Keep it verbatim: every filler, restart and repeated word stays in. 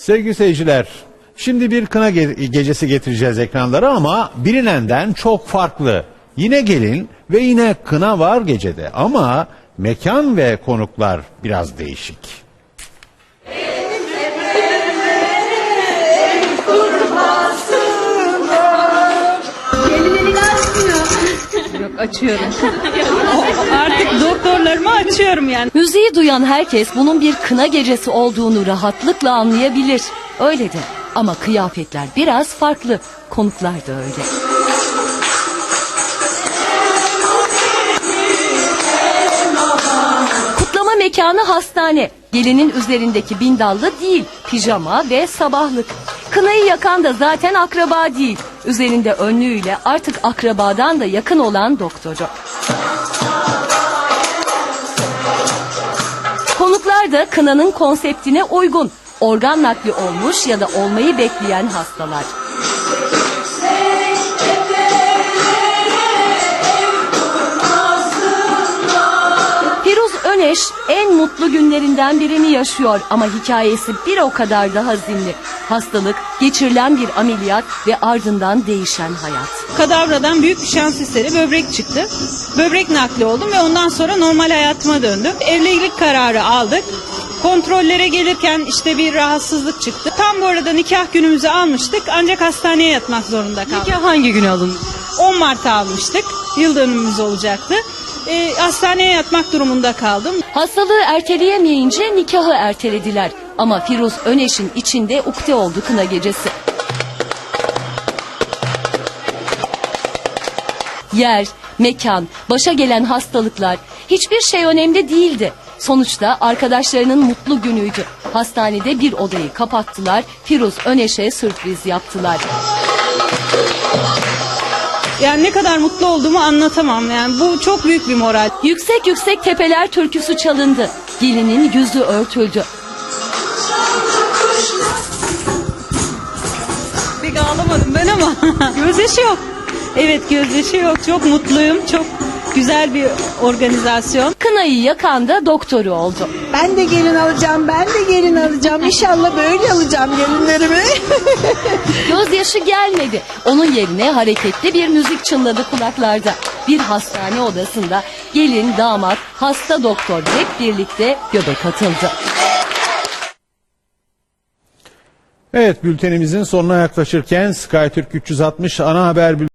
Sevgili seyirciler, şimdi bir kına ge- gecesi getireceğiz ekranlara ama bilinenden çok farklı. Yine gelin ve yine kına var gecede ama mekan ve konuklar biraz değişik. Yok, açıyorum. Artık doktorlarımı açıyorum yani. Müziği duyan herkes bunun bir kına gecesi olduğunu rahatlıkla anlayabilir. Öyle de ama kıyafetler biraz farklı. Konuklar da öyle. Kutlama mekanı hastane. Gelinin üzerindeki bindallı değil, pijama ve sabahlık. Kınayı yakan da zaten akraba değil. Üzerinde önlüğüyle artık akrabadan da yakın olan doktoru. Konuklar da kınanın konseptine uygun. Organ nakli olmuş ya da olmayı bekleyen hastalar. Firuz Öneş en mutlu günlerinden birini yaşıyor ama hikayesi bir o kadar da hazinli. Hastalık, geçirilen bir ameliyat ve ardından değişen hayat. Kadavradan büyük bir şans eseri böbrek çıktı. Böbrek nakli oldum ve ondan sonra normal hayatıma döndüm. Evlilik kararı aldık. Kontrollere gelirken işte bir rahatsızlık çıktı. Tam bu arada nikah günümüzü almıştık ancak hastaneye yatmak zorunda kaldık. Nikah hangi gün alındı? on Mart'ta almıştık. Yıl dönümümüz olacaktı. E, hastaneye yatmak durumunda kaldım. Hastalığı erteleyemeyince nikahı ertelediler. Ama Firuz Öneş'in içinde ukde oldu kına gecesi. Yer, mekan, başa gelen hastalıklar, hiçbir şey önemli değildi. Sonuçta arkadaşlarının mutlu günüydü. Hastanede bir odayı kapattılar, Firuz Öneş'e sürpriz yaptılar. Yani ne kadar mutlu olduğumu anlatamam. Yani bu çok büyük bir moral. Yüksek yüksek tepeler türküsü çalındı. Gelinin yüzü örtüldü. Pek ağlamadım ben ama gözyaşı yok. Evet, gözyaşı yok. Çok mutluyum. Çok güzel bir organizasyon. Kınayı yakan da doktoru oldu. Ben de gelin alacağım, ben de gelin alacağım. İnşallah böyle alacağım gelinlerimi. Gözyaşı gelmedi. Onun yerine hareketli bir müzik çınladı kulaklarda. Bir hastane odasında gelin, damat, hasta doktor hep birlikte göbek atıldı. Evet, bültenimizin sonuna yaklaşırken SkyTürk üç yüz altmış ana haber bülteni